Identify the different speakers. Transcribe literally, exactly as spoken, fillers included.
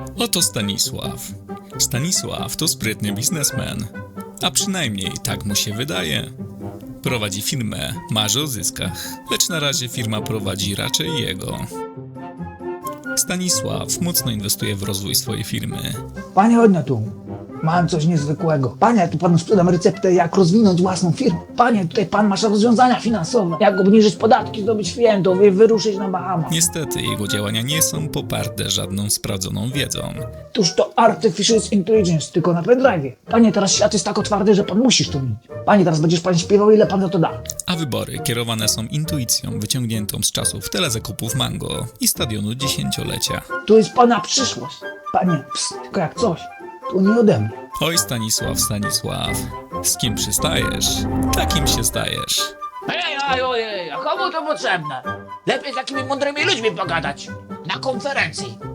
Speaker 1: Oto Stanisław. Stanisław to sprytny biznesmen. A przynajmniej tak mu się wydaje. Prowadzi firmę, marzy o zyskach, lecz na razie firma prowadzi raczej jego. Stanisław mocno inwestuje w rozwój swojej firmy.
Speaker 2: Panie, chodź na tu. Mam coś niezwykłego. Panie, ja tu panu sprzedam receptę, jak rozwinąć własną firmę. Panie, tutaj pan masz rozwiązania finansowe. Jak obniżyć podatki, zdobyć klientów i wyruszyć na Bahama.
Speaker 1: Niestety jego działania nie są poparte żadną sprawdzoną wiedzą.
Speaker 2: Tuż to Artificial Intelligence, tylko na pendrive. Panie, teraz świat jest tak otwarty, że pan musisz to mieć. Panie, teraz będziesz pan śpiewał, ile pan za to da.
Speaker 1: A wybory kierowane są intuicją wyciągniętą z czasów telezakupów Mango i stadionu dziesięciolecia.
Speaker 2: Tu jest pana przyszłość. Panie, pst, tylko jak coś, to nie ode mnie.
Speaker 1: Oj Stanisław, Stanisław, z kim przystajesz, takim się stajesz.
Speaker 2: Ej, ej, ojej, a komu to potrzebne? Lepiej z takimi mądrymi ludźmi pogadać. Na konferencji.